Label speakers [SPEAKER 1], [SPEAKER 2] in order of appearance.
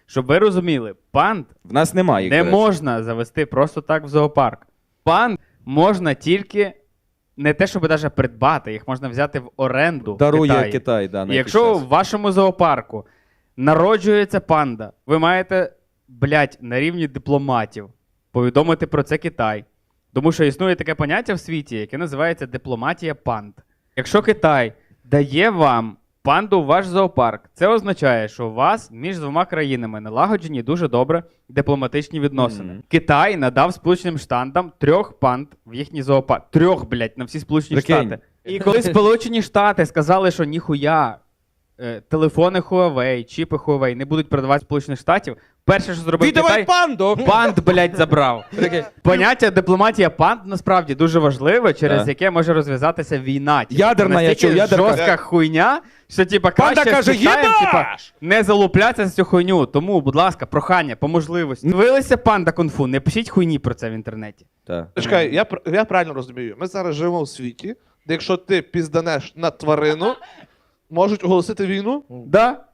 [SPEAKER 1] Щоб ви розуміли, панд
[SPEAKER 2] В нас немає їх,
[SPEAKER 1] не
[SPEAKER 2] до речі.
[SPEAKER 1] можна завести просто так в зоопарк. Панд можна тільки не те, щоб навіть придбати, їх можна взяти в оренду в
[SPEAKER 2] Дарує
[SPEAKER 1] Китаї.
[SPEAKER 2] Китай, да, на
[SPEAKER 1] І
[SPEAKER 2] якийсь
[SPEAKER 1] якщо
[SPEAKER 2] час.
[SPEAKER 1] в вашому зоопарку народжується панда, ви маєте, на рівні дипломатів повідомити про це Китай. Тому що існує таке поняття в світі, яке називається дипломатія панд. Якщо Китай дає вам панду в ваш зоопарк, це означає, що у вас між двома країнами налагоджені дуже добре дипломатичні відносини. Китай надав Сполученим Штатам 3 панд в їхній зоопарк. 3, на всі Сполучені
[SPEAKER 2] Прикинь.
[SPEAKER 1] Штати. І коли Сполучені Штати сказали, що ніхуя телефони Huawei, чіпи Huawei не будуть продавати Сполучених Штатів, перше, що зробив
[SPEAKER 3] Віддавай
[SPEAKER 1] Китай,
[SPEAKER 3] панду!
[SPEAKER 1] панд, забрав. Поняття дипломатія панд насправді дуже важливе, через
[SPEAKER 2] Так.
[SPEAKER 1] яке може розв'язатися війна.
[SPEAKER 2] Ядерна, я
[SPEAKER 1] настільки
[SPEAKER 2] чув, ядерка.
[SPEAKER 1] жорстка хуйня, що
[SPEAKER 3] Панда
[SPEAKER 1] краще
[SPEAKER 3] каже,
[SPEAKER 1] з Китаєм,
[SPEAKER 3] «Єбаш!»
[SPEAKER 1] не залуплятися за цю хуйню. Тому, будь ласка, прохання, по можливості. Дивилися панда кунг-фу, не пишіть хуйні про це в інтернеті.
[SPEAKER 2] Так.
[SPEAKER 4] Чекай, я правильно розумію. Ми зараз живемо в світі, де якщо ти пізданеш на тварину, можуть оголосити війну?
[SPEAKER 1] Да?